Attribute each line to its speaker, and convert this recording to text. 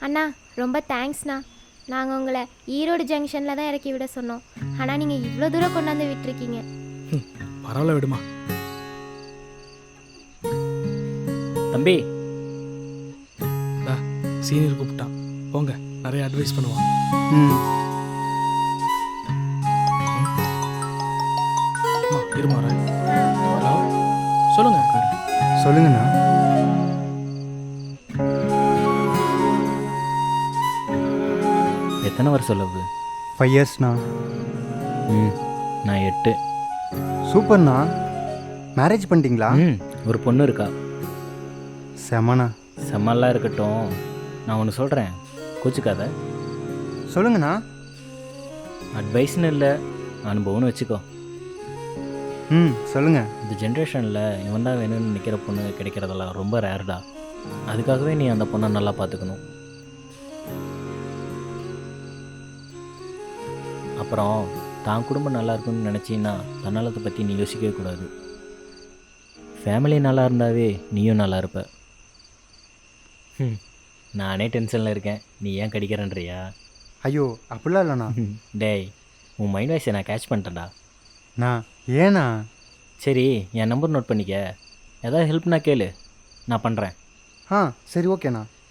Speaker 1: அண்ணா ரொம்ப தேங்க்ஸ்ண்ணா. நாங்கள் உங்களை ஈரோடு ஜங்ஷனில் தான் இறக்கி விட சொன்னோம். ஆனால் நீங்கள் இவ்வளோ தூரம் கொண்டாந்து விட்டுருக்கீங்க.
Speaker 2: பரவாயில்ல விடுமா.
Speaker 3: தம்பி
Speaker 2: சீனியர் கூப்பிட்டான், போங்க, நிறைய அட்வைஸ் பண்ணுவான். இருமா. ஹலோ, சொல்லுங்க.
Speaker 4: சொல்லுங்கண்ணா.
Speaker 3: எத்தனை வருஷம் லவ்?
Speaker 4: 5 இயர்ஸ்ண்ணா.
Speaker 3: நான் 8.
Speaker 4: சூப்பர்ண்ணா. மேரேஜ் பண்ணிட்டீங்களா?
Speaker 3: ஒரு பொண்ணு இருக்கா.
Speaker 4: செமண்ணா.
Speaker 3: செம்மல்லாம் இருக்கட்டும், நான் ஒன்று சொல்கிறேன், கோச்சுக்காத.
Speaker 4: சொல்லுங்கண்ணா.
Speaker 3: அட்வைஸ்னு இல்லை, அனுபவம்னு வச்சுக்கோ.
Speaker 4: சொல்லுங்க.
Speaker 3: இந்த ஜென்ரேஷனில் இவன் தான் வேணும்னு நிற்கிற பொண்ணு கிடைக்கிறதெல்லாம் ரொம்ப ரேர்டா. அதுக்காகவே நீ அந்த பொண்ணை நல்லா பார்த்துக்கணும். அப்புறம் தான் குடும்பம் நல்லா இருக்குன்னு நினச்சின்னா தன்னலத்தை பற்றி நீ யோசிக்கவே கூடாது. ஃபேமிலி நல்லா இருந்தாவே நீயும் நல்லா இருப்ப. நானே டென்ஷனில் இருக்கேன், நீ ஏன் கடிக்கிறேன்றியா?
Speaker 4: ஐயோ அப்படிலாம் இல்லைண்ணா.
Speaker 3: டேய், உன் மைண்ட் வாய்ஸை நான் கேட்ச் பண்ணிட்டேன்டா.
Speaker 4: நான் ஏண்ணா?
Speaker 3: சரி, என் நம்பர் நோட் பண்ணிக்க. ஏதாவது ஹெல்ப்னா கேளு, நான் பண்ணுறேன்.
Speaker 4: சரி ஓகேண்ணா.